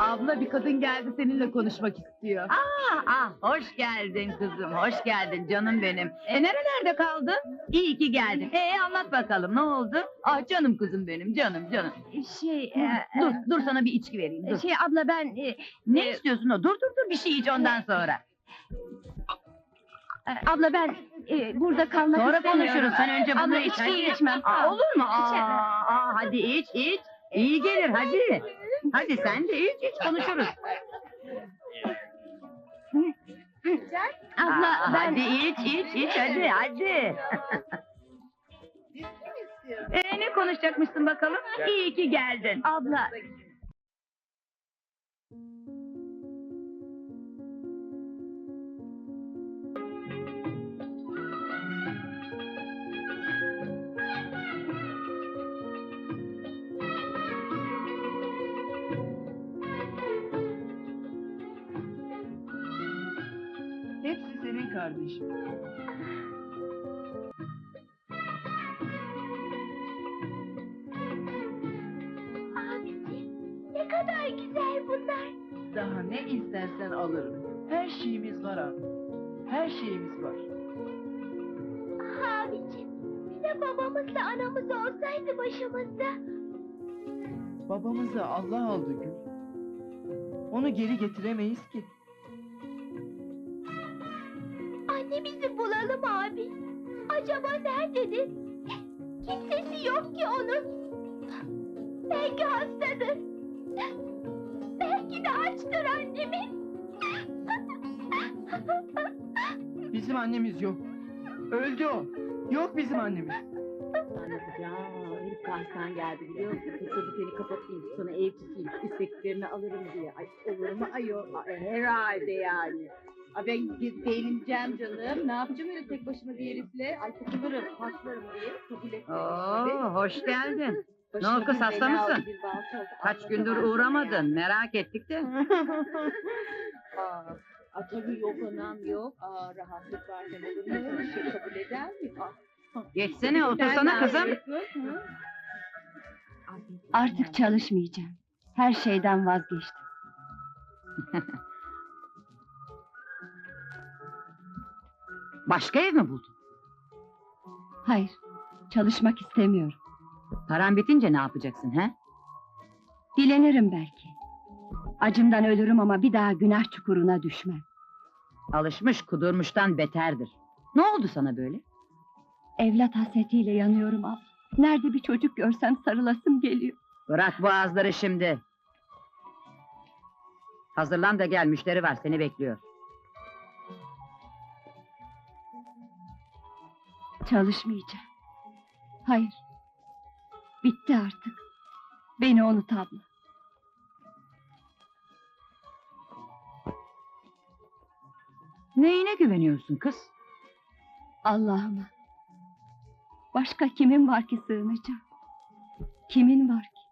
Abla bir kadın geldi seninle konuşmak istiyor. Hoş geldin kızım, hoş geldin canım benim. Nerelerde kaldın? İyi ki geldin. Anlat bakalım, ne oldu? Ah canım kızım benim, canım. Dur sana bir içki vereyim, dur. Abla ben... Ne istiyorsun o? Dur, bir şey iç ondan sonra. abla ben burada kalmak Sonra istemiyorum. konuşuruz, sen önce bunu Abla iç, içkiyi hadi. içmem. Olur mu? İçemem. Hadi iç. İyi gelir, hadi. Hadi sen de iç, konuşuruz. Abla ben... Hadi iç, hadi. Ne konuşacakmışsın bakalım? İyi ki geldin. Abla... Hepsi senin kardeşim. Abicim, ne kadar güzel bunlar. Daha ne istersen alırım. Her şeyimiz var abi. Her şeyimiz var. Abicim, bize babamızla anamız olsaydı başımızda. Babamızı Allah aldı Gül. Onu geri getiremeyiz ki. Annemizi bulalım abi. Acaba nerededir? Kimsesi yok ki onun. Belki hastadır. Belki de açtır annemi. Bizim annemiz yok. Öldü o. Yok bizim annemiz. Herif Kars'tan geldi biliyor musun? Kısadı seni kapatayım, sana ev tutayım, isteklerini alırım diye. Ay olur mu ayol? Herhalde yani. Ben beğeneceğim canım. Ne yapacağım öyle tek başıma bir herifle? Ay takılırım, paslarım diye kabul etmedim. Hoş geldin. Ne oldu kız, Başıma hasta bir bela mısın? oldu, bir balta oldu. Kaç gündür Anlatamam sana uğramadın, merak ettik de. yani. Tabii yok anam yok. Rahatlık var da olur mu? Öyle şey kabul eder mi? Geçsene, otursana kızım. Artık çalışmayacağım. Her şeyden vazgeçtim. Başka ev mi buldun? Hayır, çalışmak istemiyorum. Paran bitince ne yapacaksın he? Dilenirim belki. Acımdan ölürüm ama bir daha günah çukuruna düşmem. Alışmış kudurmuştan beterdir. Ne oldu sana böyle? Evlat hasretiyle yanıyorum abla. Nerede bir çocuk görsem sarılasım geliyor. Bırak bu ağızları şimdi. Hazırlan da gel, müşteri var, seni bekliyor. Çalışmayacağım. Hayır. Bitti artık. Beni unut abla. Neyine güveniyorsun kız? Allah'ıma. Başka kimin var ki sığınacağım? Kimin var ki?